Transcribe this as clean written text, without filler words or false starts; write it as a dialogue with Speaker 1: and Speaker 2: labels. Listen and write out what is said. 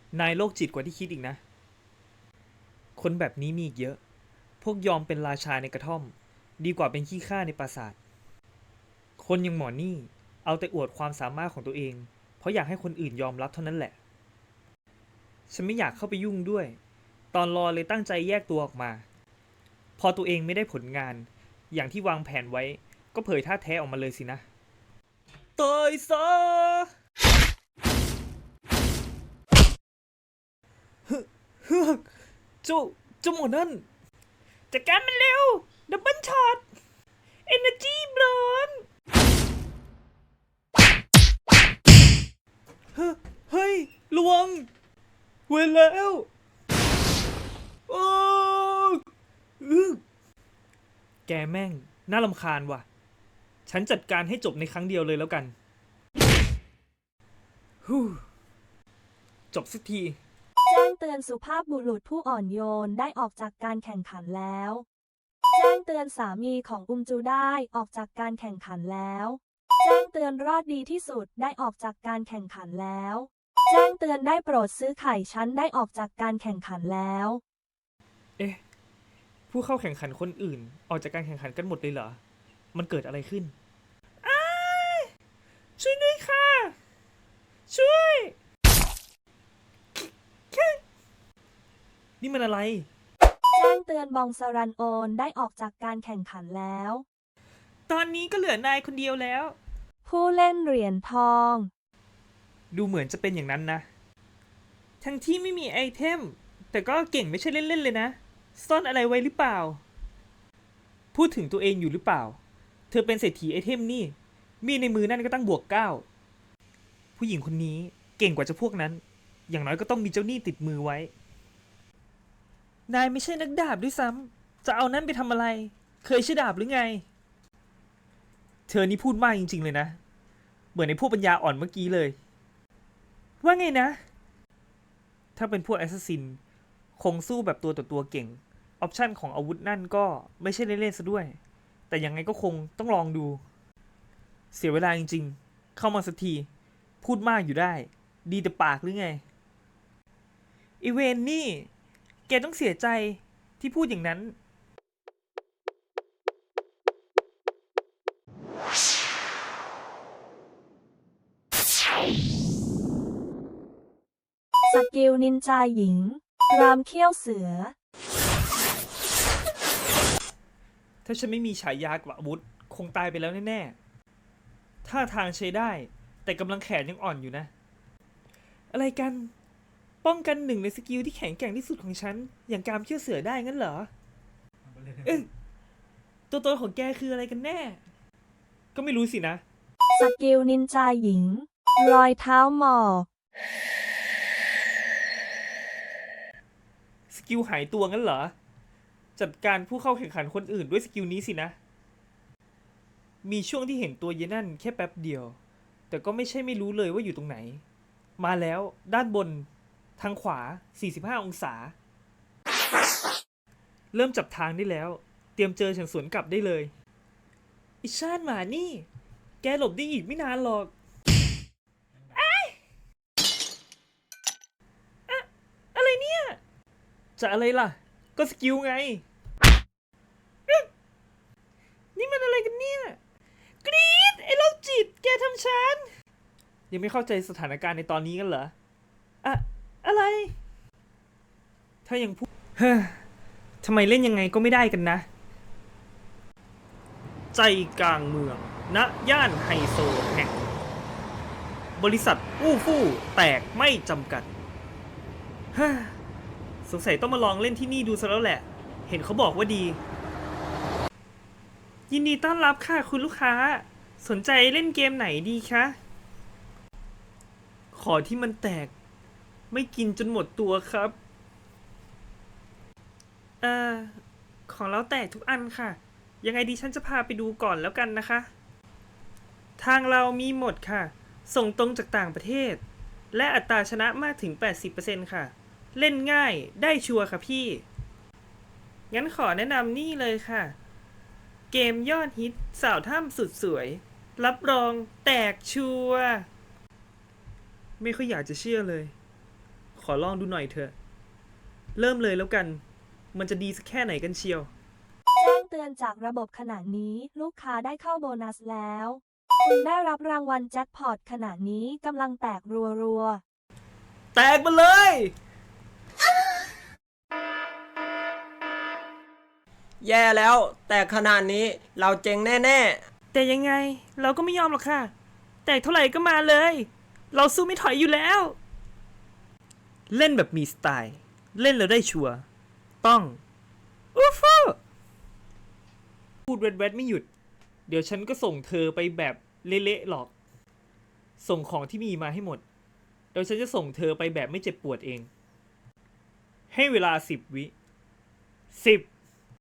Speaker 1: นายโรคจิตกว่าที่คิดอีกนะคนแบบนี้มีอีกเยอะพวกยอมเป็นราชาในกระท่อมดีกว่าเป็นขี้ข้าในปราสาทคนอย่างหมอนี่เอาแต่อวดความสามารถของตัวเองเพราะอยากให้คนอื่นยอมรับเท่านั้นแหละฉันไม่อยากเข้าไปยุ่งด้วยตอนรอเลยตั้งใจแยกตัวออกมาพอตัวเองไม่ได้ผลงานอย่างที่วางแผนไว้ก็เผยท่าแท้ออกมาเลยสินะตายซะเฮือกเจ้าหมอนั่นจัดการมันเร็วดับเบิลช็อตเอเนอร์จีบลอนเฮ้ยระวังเวรแล้วโอ้แกแม่งน่ารำคาญว่ะฉันจัดการให้จบในครั้งเดียวเลยแล้วกันฮู้จบสักที
Speaker 2: แจ้งเตือนสุภาพบุรุษผู้อ่อนโยนได้ออกจากการแข่งขันแล้ว แจ้งเตือนสามีของอุมจูได้ออกจากการแข่งขันแล้ว แจ้งเตือนรอดดีที่สุดได้ออกจากการแข่งขันแล้ว แจ้งเตือนได้โปรดซื้อไข่ชั้นได้ออกจากการแข่งขันแล้ว
Speaker 1: เอ๊ะผู้เข้าแข่งขันคนอื่นออกจากการแข่งขันกันหมดเลยเหรอมันเกิดอะไรขึ้นอ้ายช่วยด้วยค่ะช่วยนี่มันอะไร
Speaker 2: แจ้งเตือนบองสรันโอนได้ออกจากการแข่งขันแล้ว
Speaker 1: ตอนนี้ก็เหลือนายคนเดียวแล้ว
Speaker 2: ผู้เล่นเหรียญทอง
Speaker 1: ดูเหมือนจะเป็นอย่างนั้นนะ ทั้งที่ไม่มีไอเทม แต่ก็เก่งไม่ใช่เล่นๆเลยนะ ซ่อนอะไรไว้หรือเปล่า พูดถึงตัวเองอยู่หรือเปล่า เธอเป็นเศรษฐีไอเทมนี่ มีในมือนั่นก็ตั้งบวก9ผู้หญิงคนนี้เก่งกว่าเจ้าพวกนั้น อย่างน้อยก็ต้องมีเจ้าหนี้ติดมือไว้ นายไม่ใช่นักดาบด้วยซ้ำ จะเอานั่นไปทำอะไร เคยใช้ดาบหรือไง เธอนี่พูดมากจริงๆเลยนะ เหมือนในพวกปัญญาอ่อนเมื่อกี้เลย ว่าไงนะ ถ้าเป็นพวกแอสซัสซินคงสู้แบบตัวต่อตัวเก่ง ออปชันของอาวุธนั่นก็ไม่ใช่เล่นๆซะด้วย แต่ยังไงก็คงต้องลองดู เสียเวลาจริงๆ เข้ามาสักที พูดมากอยู่ได้ ดีแต่ปากหรือไง อีเวนนี่ แกต้องเสียใจที่พูดอย่างนั้น
Speaker 2: สกิลนินจาหญิง รามเขี้ยวเสือ
Speaker 1: ถ้าฉันไม่มีฉายากับอาวุธคงตายไปแล้วแน่ๆท่าทางใช้ได้ แต่กำลังแขนยังอ่อนอยู่นะ อะไรกัน ป้องกันหนึ่งในสกิลที่แข็งแกร่งที่สุดของฉัน อย่างการเชื่อเสือได้งั้นเหรอ เอ๊ะตัวตนของแกคืออะไรกันแน่ ก็ไม่รู้สินะ
Speaker 2: สกิลนินจาหญิง รอยเท้าหมอก
Speaker 1: สกิลหายตัวงั้นเหรอ จัดการผู้เข้าแข่งขันคนอื่นด้วยสกิลนี้สินะ มีช่วงที่เห็นตัวเยนั่นแค่แป๊บเดียว แต่ก็ไม่ใช่ไม่รู้เลยว่าอยู่ตรงไหน มาแล้วด้านบน ทางขวา 45 องศา เริ่มจับทางได้แล้ว เตรียมเจอฉันสวนกลับได้เลยอิชาติหมานี่ แกหลบได้อีกไม่นานหรอกอะไรเนี่ย จะอะไรล่ะ ก็สกิลไง นี่มันอะไรกันเนี่ย กรี๊ดไอ้โรคจิต แกทำฉัน ยังไม่เข้าใจสถานการณ์ในตอนนี้กันเหรอ อะอะไร ถ้ายังพูด เฮ้อทำไมเล่นยังไงก็ไม่ได้กันนะ ใจกลางเมือง ณ ย่านไฮโซแห่ง บริษัทอู้ฟู่แตกไม่จำกัดเฮ้อสงสัยต้องมาลองเล่นที่นี่ดูซะแล้วแหละ เห็นเขาบอกว่าดี ยินดีต้อนรับค่ะคุณลูกค้า สนใจเล่นเกมไหนดีคะ ขอที่มันแตก ไม่กินจนหมดตัวครับ เอ่อ ของเราแตกทุกอันค่ะ ยังไงดิฉันจะพาไปดูก่อนแล้วกันนะคะ ทางเรามีหมดค่ะ ส่งตรงจากต่างประเทศ และอัตราชนะมากถึง 80% ค่ะ เล่นง่ายได้ชัวร์ค่ะพี่ งั้นขอแนะนำนี่เลยค่ะ เกมยอดฮิตสาวถ้ำสุดสวย รับรองแตกชัวร์ไม่ค่อยอยากจะเชื่อเลย ขอลองดูหน่อยเถอะ เริ่มเลยแล้วกัน มันจะดีสักแค่ไหนกันเชียว
Speaker 2: แจ้งเตือนจากระบบขณะนี้ลูกค้าได้เข้าโบนัสแล้ว คุณได้รับรางวัลแจ็คพอตขณะนี้กำลังแตกรัว
Speaker 1: แตกมาเลย
Speaker 3: แย่แล้ว แต่ขนาดนี้เราเจ๊งแน่
Speaker 1: แต่ยังไงเราก็ไม่ยอมหรอกค่ะ แตกเท่าไหร่ก็มาเลย เราสู้ไม่ถอยอยู่แล้ว เล่นแบบมีสไตล์ เล่นแล้วได้ชัวร์ต้องอูฟูพูดแวดๆไม่หยุด เดี๋ยวฉันก็ส่งเธอไปแบบเละๆหรอก ส่งของที่มีมาให้หมด เดี๋ยวฉันจะส่งเธอไปแบบไม่เจ็บปวดเอง ให้เวลา10 วิ10